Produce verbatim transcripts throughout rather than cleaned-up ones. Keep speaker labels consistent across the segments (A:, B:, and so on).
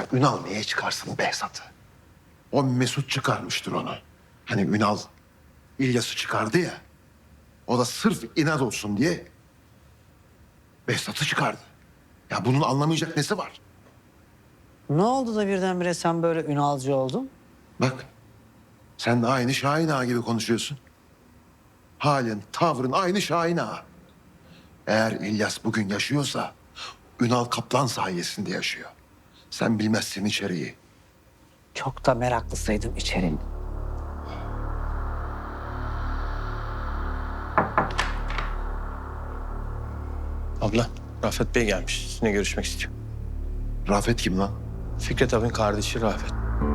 A: Ünal niye çıkarsın Behzat'ı? O Mesut çıkarmıştır onu. Hani Ünal İlyas'ı çıkardı ya. O da sırf inat olsun diye Behzat'ı çıkardı. Ya bunun anlamayacak nesi var?
B: Ne oldu da birdenbire sen böyle Ünalcı oldun?
A: Bak sen de aynı Şahin Ağa gibi konuşuyorsun. Halin, tavrın aynı Şahin Ağa. Eğer İlyas bugün yaşıyorsa Ünal Kaplan sayesinde yaşıyor. Sen bilmezsin içeriği.
B: Çok da meraklısaydım içerim.
C: Abla, Rafet Bey gelmiş. Sizinle görüşmek istiyor.
A: Rafet kim lan?
C: Fikret abinin kardeşi Rafet.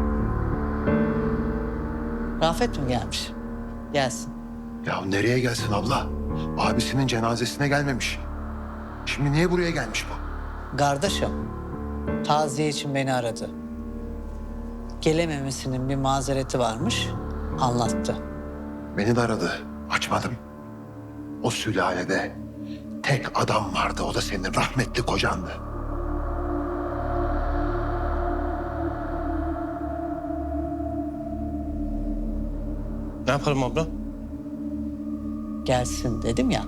B: Rafet mi gelmiş? Gelsin.
A: Ya nereye gelsin abla? Abisinin cenazesine gelmemiş. Şimdi niye buraya gelmiş bu?
B: Kardeşim, taziye için beni aradı. Gelememesinin bir mazereti varmış, anlattı.
A: Beni de aradı. Açmadım. O sülalede tek adam vardı. O da senin rahmetli kocandı.
C: Ne yapalım abla?
B: Gelsin dedim ya.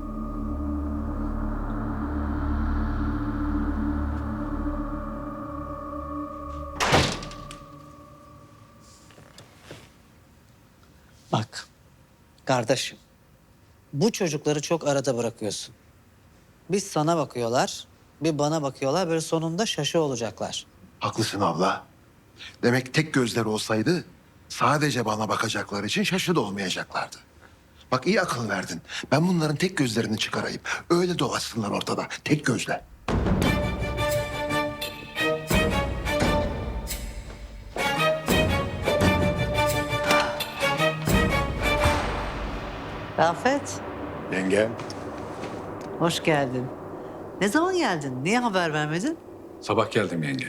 B: Bak, kardeşim. Bu çocukları çok arada bırakıyorsun. Bir sana bakıyorlar, bir bana bakıyorlar. Böyle sonunda şaşı olacaklar.
A: Haklısın abla. Demek tek gözleri olsaydı sadece bana bakacakları için şaşırdı olmayacaklardı. Bak iyi akıl verdin. Ben bunların tek gözlerini çıkarayım. Öyle dolaşsınlar ortada. Tek gözle.
B: Rafet,
D: Yenge,
B: hoş geldin. Ne zaman geldin? Niye haber vermedin?
D: sabah geldim yenge.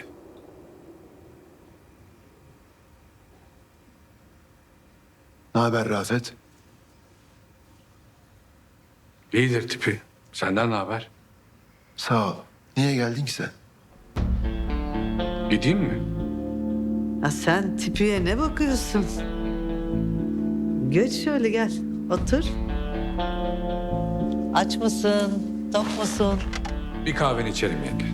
A: Ne haber Rafet?
D: İyidir tipi. Senden ne haber?
A: Sağ ol. Niye geldin ki sen?
D: Gideyim mi?
B: Ya sen tipiye ne bakıyorsun? Geç şöyle gel, otur. Aç mısın, tok musun?
D: Bir kahveni içerim yenge.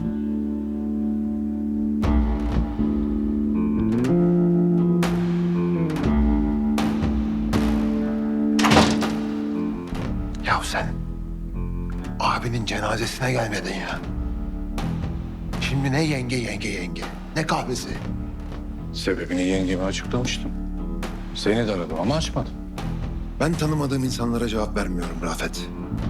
A: Ya sen abinin cenazesine gelmedin ya. Şimdi ne yenge yenge yenge, ne kahvesi.
D: Sebebini yengeme açıklamıştım. Seni de aradım ama açmadın.
A: Ben tanımadığım insanlara cevap vermiyorum Rafet.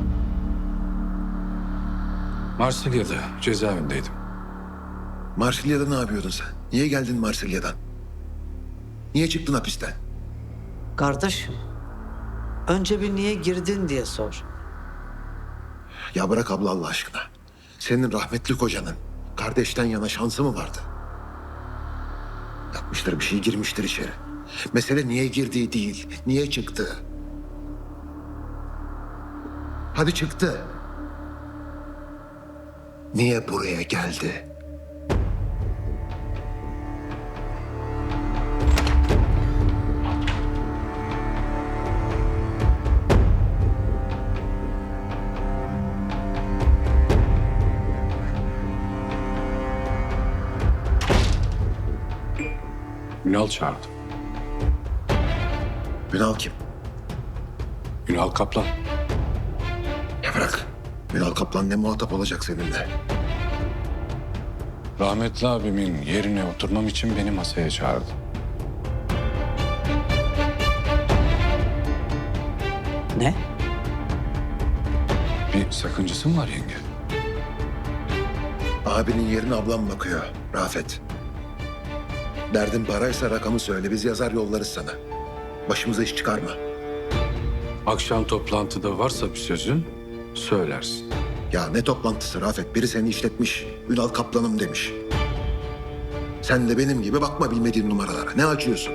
D: Marsilya'da cezaevindeydim.
A: Marsilya'da ne yapıyordun sen? Niye geldin Marsilya'dan? Niye çıktın hapisten?
B: Kardeşim, önce bir niye girdin diye sor.
A: Ya bırak abla Allah aşkına. Senin rahmetli kocanın kardeşten yana şansı mı vardı? Yapmıştır bir şey, girmiştir içeri. Mesele niye girdiği değil, niye çıktı? Hadi çıktı. Niye buraya geldi?
D: Ünal çağırdı.
A: Ünal kim?
D: Ünal Kaplan.
A: Ya bırak. Ünal Kaplan ne muhatap olacak seninle?
D: Rahmetli abimin yerine oturmam için beni masaya çağırdı.
B: Ne?
D: Bir sakıncası mı var yenge?
A: Abinin yerine ablam bakıyor Rafet. Derdin paraysa rakamı söyle, biz yazar yollarız sana. Başımıza iş çıkarma.
D: Akşam toplantıda varsa bir sözün söylersin.
A: Ya ne toplantısı Rafet? Biri seni işletmiş, Ünal Kaplan'ım demiş. Sen de benim gibi bakma bilmediğin numaralara. Ne açıyorsun?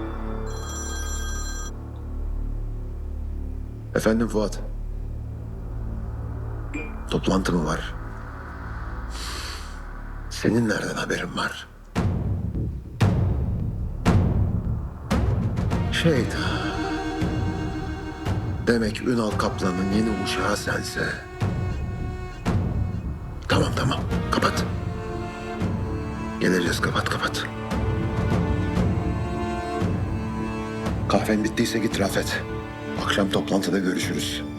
A: Efendim Fuat. Toplantı mı var? Senin nereden haberin var? Şeyda. Demek Ünal Kaplan'ın yeni uşağı sense. Tamam tamam kapat. Geleceğiz kapat kapat. Kahven bittiyse git Rafet. Akşam toplantıda görüşürüz.